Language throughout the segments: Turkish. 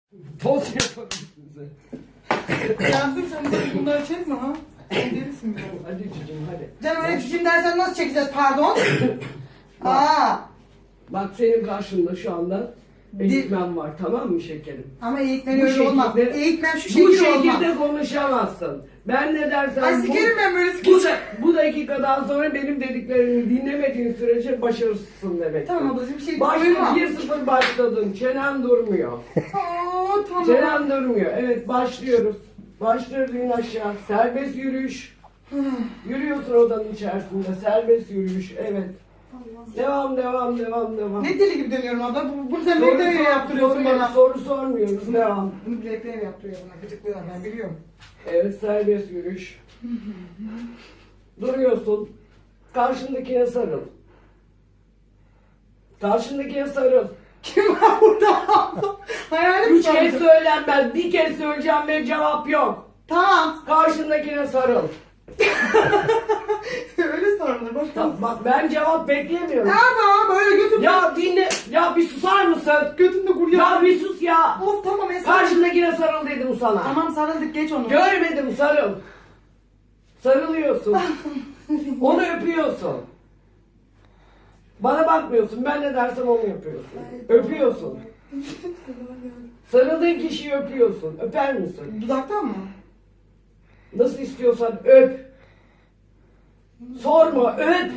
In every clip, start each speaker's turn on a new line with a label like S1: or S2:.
S1: Toz yapalım size.
S2: Yardım sen bunları çekme ha. Sen delisin biraz.
S1: Hadi cicim hadi.
S2: Canım öyle cicim dersen nasıl çekeceğiz pardon? Aa.
S1: Bak senin karşında şu anda eğitmen var, tamam mı şekerim?
S2: Ama eğitmen
S1: Bu
S2: öyle olmaz.
S1: şekilde-
S2: Eğitmen şu
S1: Bu
S2: şekilde olmaz.
S1: şekilde konuşamazsın. Ben ne dersem
S2: Ay sikerim ben böyle sikeceğim.
S1: bu dakikadan sonra benim dediklerimi dinlemediğin sürece başarısızsın demek.
S2: Tamam ablacığım bir şey duymam.
S1: 1-0 başladın. Çenen durmuyor.
S2: Aa tamam.
S1: Çenen durmuyor. Evet başlıyoruz. Başlıyoruz in aşağı. Serbest yürüyüş. Yürüyorsun odanın içerisinde. Serbest yürüyüş. Evet. Devam.
S2: Ne deli gibi dönüyorum abla. Bunu sen bileklerle yaptırıyorsun bana.
S1: Soru sormuyoruz. Devam.
S2: Bunu bileklerle yaptırıyor bana. Gıcıklıyorlar ben biliyorum.
S1: Evet serbest yürüyüş. Duruyorsun. Karşındakine sarıl. Karşındakine sarıl.
S2: Kim var burada? Hayalim
S1: 3 kez söylenmez. Bir kez söyleyeceğim ve cevap yok.
S2: Tamam.
S1: Karşındakine sarıl.
S2: Öyle sorunlar. Boş ver.
S1: Bak ben cevap beklemiyorum.
S2: Tamam böyle götür.
S1: Ya dinle. Ya bir susar mısın?
S2: Götünde kur
S1: Ya
S2: ya.
S1: bir sus ya.
S2: Of tamam Esra.
S1: Karşındakine sarıl dedim sana.
S2: Tamam sarıldık geç onu.
S1: Görmedim sarıl. Sarılıyorsun. Onu öpüyorsun. Bana bakmıyorsun. Ben ne dersem onu yapıyorsun. Öpüyorsun. Sarıldığın kişiyi öpüyorsun. Öper misin?
S2: Dudaktan mı?
S1: Nasıl istiyorsan öp. Sorma öp.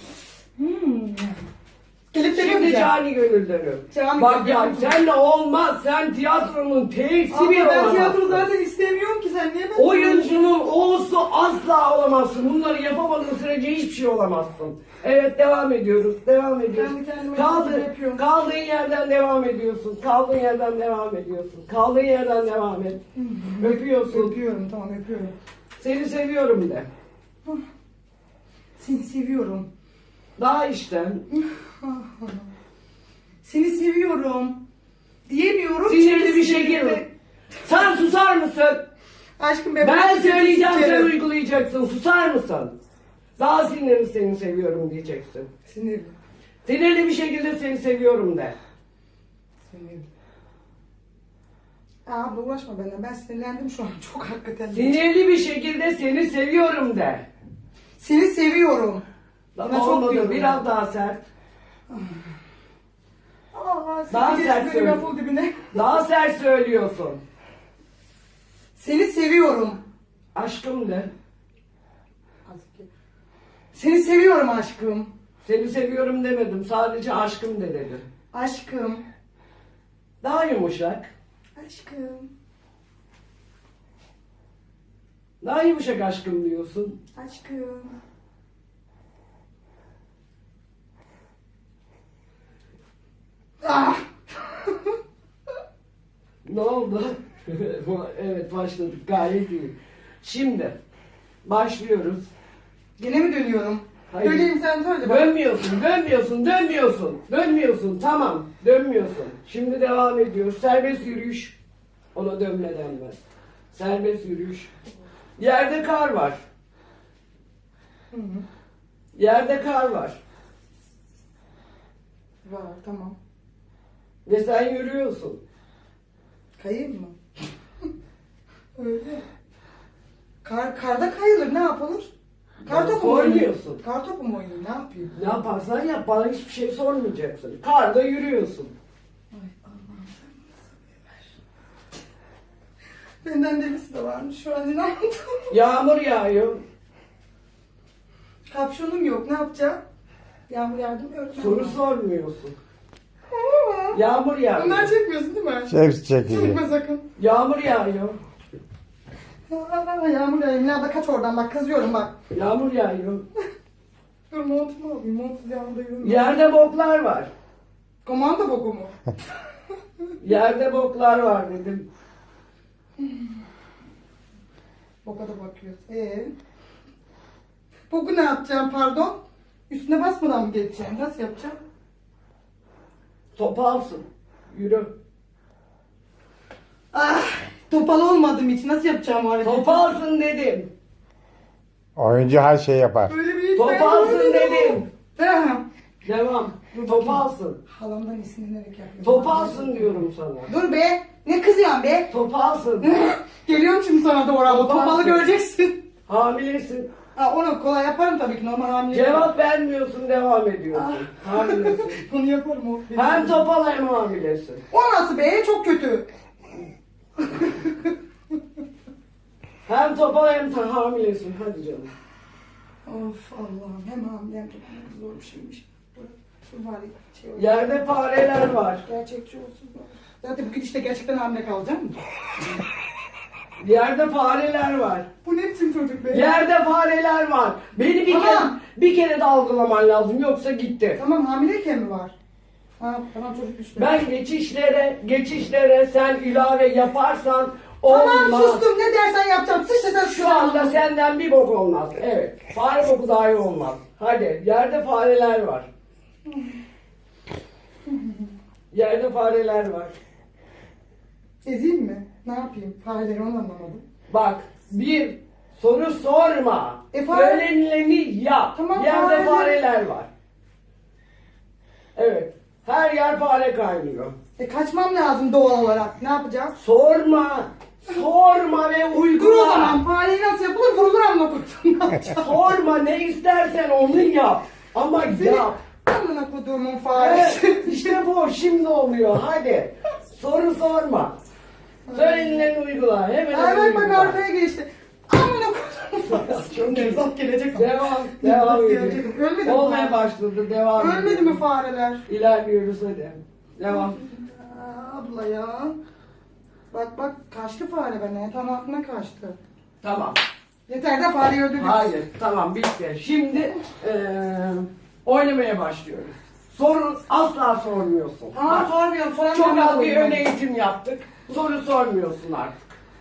S2: Gelip seni
S1: Şimdi
S2: öpeceğim.
S1: cani gönülden öp.
S2: Cani
S1: Bak ya
S2: gönülden.
S1: senle olmaz. Sen tiyatronun T'si
S2: Abla
S1: bir
S2: ben
S1: olamazsın.
S2: tiyatro zaten istemiyorum ki sen niye ben...
S1: Oyuncunun O'su asla olamazsın. Bunları yapamadığın sürece hiçbir şey olamazsın. Evet devam ediyoruz. Devam ediyoruz.
S2: Ben kendime yapıyorum.
S1: Kaldığın yerden devam ediyorsun. Kaldığın yerden devam ediyorsun. Kaldığın yerden devam et. Öpüyorsun.
S2: Öpüyorum tamam öpüyorum.
S1: Seni seviyorum de.
S2: Seni seviyorum.
S1: Daha içten.
S2: Seni seviyorum. Diyemiyorum.
S1: Sinirli
S2: çünkü
S1: bir
S2: sinirliyim.
S1: şekilde. Sen susar mısın?
S2: Aşkım
S1: Ben söyleyeceğim sen
S2: sikerim.
S1: uygulayacaksın. Susar mısın? Daha sinirli seni seviyorum diyeceksin.
S2: Sinirli.
S1: Sinirli bir şekilde seni seviyorum de.
S2: Sinirli. Abla uğraşma benden. Ben sinirlendim şu an. Çok hakikaten.
S1: Sinirli bir şekilde seni seviyorum de.
S2: Seni seviyorum. Buna çok
S1: Olmadı.
S2: diyorum.
S1: Biraz daha sert.
S2: Aa,
S1: Daha
S2: seni
S1: sert
S2: geçti
S1: söyle.
S2: benim lafın dibine.
S1: Daha sert söylüyorsun.
S2: Seni seviyorum.
S1: Aşkım de.
S2: Seni seviyorum aşkım.
S1: Seni seviyorum demedim. Sadece aşkım de dedim.
S2: Aşkım.
S1: Daha yumuşak.
S2: Aşkım.
S1: Daha yumuşak aşkım diyorsun.
S2: Aşkım. Ah!
S1: Ne oldu? Evet başladık. Gayet iyi. Şimdi başlıyoruz.
S2: Gene mi dönüyorum?
S1: Hayır.
S2: Döneyim sen söyle. bak.
S1: Dönmüyorsun. Tamam. Dönmüyorsun. Şimdi devam ediyoruz. Serbest yürüyüş. Ona dönme denmez. Serbest yürüyüş. Yerde kar var.
S2: Hı hı.
S1: Yerde kar var.
S2: Var tamam.
S1: Ve sen yürüyorsun.
S2: Kayayım mı? Öyle. Karda kayılır ne yapılır? Kar topu mu oynayayım?
S1: Sormuyorsun.
S2: Kar topu mu oynayayım ne yapayım?
S1: Ne yaparsan yap. Bana hiçbir şey sormayacaksın. Karda yürüyorsun.
S2: Ay Allah'ım sen bana sabır ver. Benden delisi de varmış şu an inandım.
S1: Yağmur yağıyor.
S2: Kapşonum yok ne yapacağım? Yağmur yardım öğretmen.
S1: Soru sormuyorsun. Yağmur yağıyor.
S2: Bunlar çekmiyorsun değil mi?
S3: Hepsi çekiliyor.
S2: Çekme sakın.
S1: Yağmur yağıyor.
S2: Yağmur yağıyor. Nerede kaç oradan bak kızıyorum bak.
S1: Yağmur yağıyor.
S2: Dur montumu alayım. Montsuz yağmurda yürüyorum.
S1: Yerde boklar var.
S2: Komanda boku mu?
S1: Yerde boklar var dedim.
S2: Boka da bakıyoruz. Boku ne yapacağım pardon? Üstüne basmadan mı geçeceğim? Nasıl yapacağım?
S1: Topalsın. Yürü.
S2: Ah, topal olmadığım için nasıl yapacağım o hareketi?
S1: Topalsın dedim.
S3: Oyuncu her şey yapar.
S2: Böyle bir hiç
S1: Topalsın
S2: ben görmedim.
S1: dedim.
S2: Ha,
S1: Devam.
S2: Dur bakayım.
S1: Topalsın.
S2: Halamdan esinlenerek yapıyorum.
S1: Topalsın diyorum sana.
S2: Dur be. Ne kızıyorsun be?
S1: Topalsın.
S2: Geliyorum şimdi sana doğru ama
S1: Topalsın.
S2: topalı göreceksin.
S1: Hamilesin.
S2: Ha, onu kolay yaparım tabii ki, normal hamile.
S1: Cevap vermiyorsun, devam ediyorsun. Hamilesin.
S2: Bunu yaparım o.
S1: Hem topal hem hamilesin.
S2: O nasıl be? Çok kötü.
S1: Hem topal hem hamilesin. Hadi canım.
S2: Of Allah'ım, hem hamile hem topal, zor bir şeymiş. Dur bari şey olsun.
S1: Yerde fareler var.
S2: Gerçekçi olsun. Zaten bugün işte gerçekten hamile kalacağım.
S1: Yerde fareler var.
S2: Bu ne biçim çocuk be?
S1: Yerde fareler var. Beni
S2: Tamam.
S1: bir kere de algılaman lazım, yoksa gitti.
S2: Tamam, hamileyken mi var? Ha, tamam çocuk işte.
S1: Ben geçişlere sen ilave yaparsan olmaz.
S2: Tamam sustum, ne dersen yapacağım. Sıçta sen
S1: Şu anda senden bir bok olmaz. Evet. Fare boku dahi olmaz. Hadi. Yerde fareler var. Yerde fareler var.
S2: Ezeyim mi? Ne yapayım? Fareleri onu anlamadım.
S1: Bak. Bir soru sorma.
S2: Fare-
S1: Söylenileni yap.
S2: Tamam,
S1: Yerde
S2: fareler-
S1: fareler var. Evet. Her yer fare kaynıyor.
S2: Kaçmam lazım doğal olarak. Ne yapacağım?
S1: Sorma. Sorma ve uygula.
S2: Dur o zaman. Fareyi nasıl yapılır? Vurulur amına koyduğum. Ne yapacağım?
S1: Sorma, ne istersen onu yap. Ama yap.
S2: Amına koyduğumun faresi.
S1: Evet, işte bu şimdi oluyor. Hadi. Soru sorma. Söylenileni uygula. Hemen
S2: Ay bak
S1: uygula.
S2: arkaya geçti. Amına koyduğumun faresi.
S1: Çok
S2: Nevzat gelecek.
S1: Devam.
S2: Nevzat
S1: Devam
S2: gelecek.
S1: ediyor.
S2: Ölmedi mi
S1: Olmaya
S2: fare?
S1: başladı. Devam
S2: Ölmedi
S1: ediyor.
S2: mi fareler?
S1: İlerliyoruz hadi. Devam.
S2: Abla ya. Bak kaçtı fare bana. Yatağın altına kaçtı.
S1: Tamam.
S2: Yeter de fareyi öldürdük.
S1: Hayır. Tamam, bitti. Şimdi oynamaya başlıyoruz. Soru asla sormuyorsun.
S2: Aa
S1: Bak,
S2: sormuyorum. Soran
S1: çok
S2: ben
S1: az bir
S2: koyayım.
S1: ön eğitim yaptık. Soru sormuyorsun artık.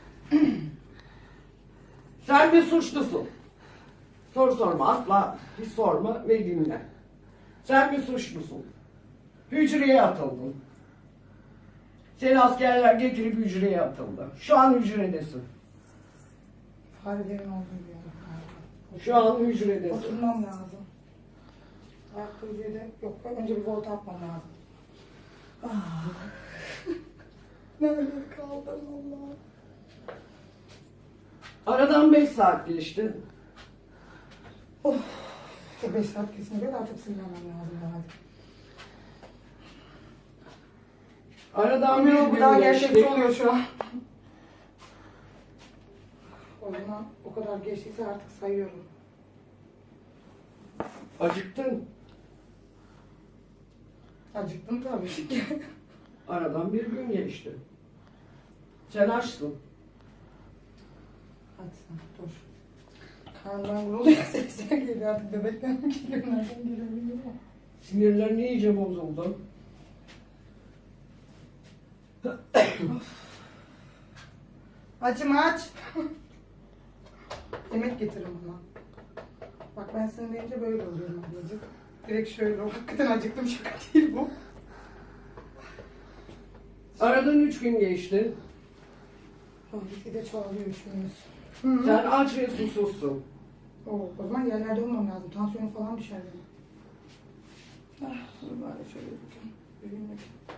S1: Sen bir suçlusun. Soru sorma. Asla hiç sorma ve dinle. Sen bir suçlusun. Hücreye atıldın. Seni askerler getirip hücreye atıldı. Şu an hücredesin.
S2: Farelerin olduğu bir yer.
S1: Şu an hücredesin.
S2: Oturmam lazım. Ayakta hücrede yok. Önce bir volta atmam lazım. Ah. Nerede kaldım Allah?
S1: Aradan 5 saat geçti.
S2: Of. Şu 5 saat kesinlikle daha çok sinirlenmem lazım herhalde.
S1: Aradan bir
S2: Bilmiyorum, bu
S1: gün
S2: daha
S1: geçti.
S2: gerçekçi oluyor şu an. O zaman o kadar geçtiyse artık sayıyorum.
S1: Acıktın.
S2: Acıktım tabii ki.
S1: Aradan bir gün geçti. Sen açsın.
S2: Hadi sen dur. Karnından vuruluyor, sesler geliyor artık. Bebekten mi geliyor, nereden geliyor bilmiyorum.
S1: Sinirlerin iyice bozuldu.
S2: Açım aç. Yemek getirin bana. Bak ben senin deyince böyle oluyorum ablacık. Direkt şöyle ol. Hakikaten acıktım, şaka değil bu.
S1: Aradan 3 gün geçti.
S2: Gitgide çoğalıyor işimiz.
S1: Sen aç ve susuzsun.
S2: O zaman yerlerde olmam lazım. Tansiyonum falan düşer benim. Ah, dur bari şöyle bakayım. Yürüyeyim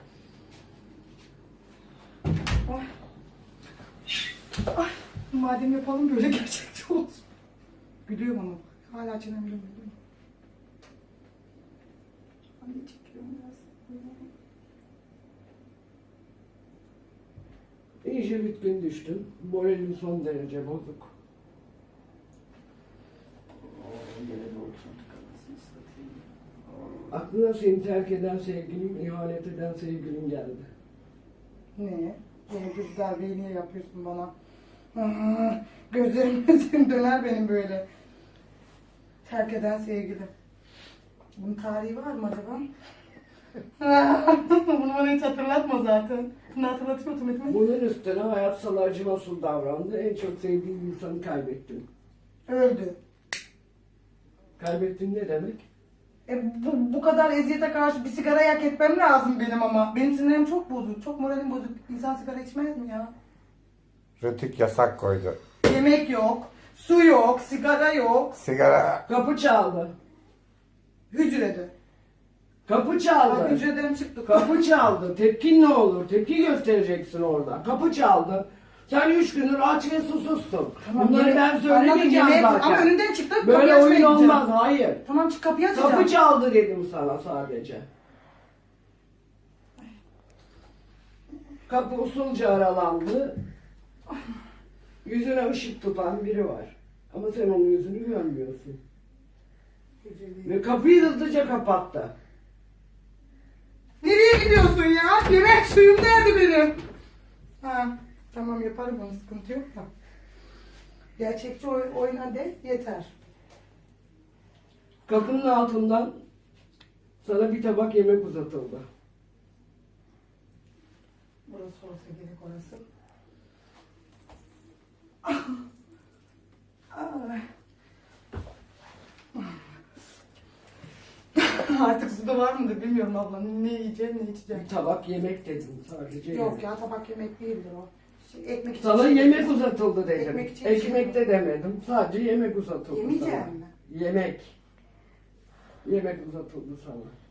S2: bakayım. Ah. Ah. Madem yapalım böyle gerçekçi olsun. Gülüyorum ama. Hala çenem ben de çekiyorum biraz.
S1: İyice bitkin düştün. Moralin son derece bozuk. Aklına seni terk eden sevgilin, ihanet eden sevgilin geldi.
S2: Ne? Bunu güzel bir niye yapıyorsun bana? Ah, gözlerim döner benim böyle. Terk eden sevgilim. Bunun tarihi var mı acaba? Bunu bana hiç hatırlatma zaten. Bunu hatırlatıyor otomatikman.
S1: Bunun üstüne hayat sana acımasız davrandı. En çok sevdiğin insanı kaybettin.
S2: Öldü.
S1: Kaybettin ne demek?
S2: Bu kadar eziyete karşı bir sigara yak etmem lazım benim ama. Benim sinirlerim çok bozuk. Çok moralim bozuk. İnsan sigara içmez mi ya?
S3: Rütük yasak koydu.
S2: Yemek yok. Su yok. Sigara yok.
S3: Sigara.
S1: Kapı çaldı.
S2: Hücrede.
S1: Kapı çaldı.
S2: Ay, hücreden çıktı.
S1: Kapı çaldı. Tepkin ne olur? Tepki göstereceksin orada. Kapı çaldı. Sen 3 gündür aç ve susuzsun. Bunları ben
S2: Anladım,
S1: söylemeyeceğim
S2: yemeğe-
S1: zaten.
S2: Ama önünden çıktı.
S1: Böyle
S2: kapıyı açmaya
S1: oyun
S2: gideceğim.
S1: olmaz. Hayır.
S2: Tamam çık kapıyı açacağım.
S1: Kapı çaldı dedim sana sadece. Kapı usulca aralandı. Yüzüne ışık tutan biri var. Ama sen onun yüzünü görmüyorsun. Ve kapıyı hızlıca kapattı.
S2: Nereye gidiyorsun ya? Yemek suyum nerede benim? Ha, tamam yaparım onu, sıkıntı yok da. Gerçekçi oyna de yeter.
S1: Kapının altından sana bir tabak yemek uzatıldı.
S2: Burası olsa gerek orası. Ay. Artık suda var mıdır bilmiyorum abla. Ne yiyeceğim ne içeceğim.
S1: Bir tabak yemek dedim sadece.
S2: Yok
S1: yemek.
S2: ya tabak yemek değildir o. Ekmek için.
S1: Sana
S2: şey
S1: yemek
S2: yapıyorsun.
S1: uzatıldı dedim.
S2: Ekmek için
S1: Ekmek
S2: şey
S1: de demedim. Sadece yemek uzatıldı
S2: Yemeyeceğim
S1: sana.
S2: mi?
S1: Yemek. Yemek uzatıldı sana.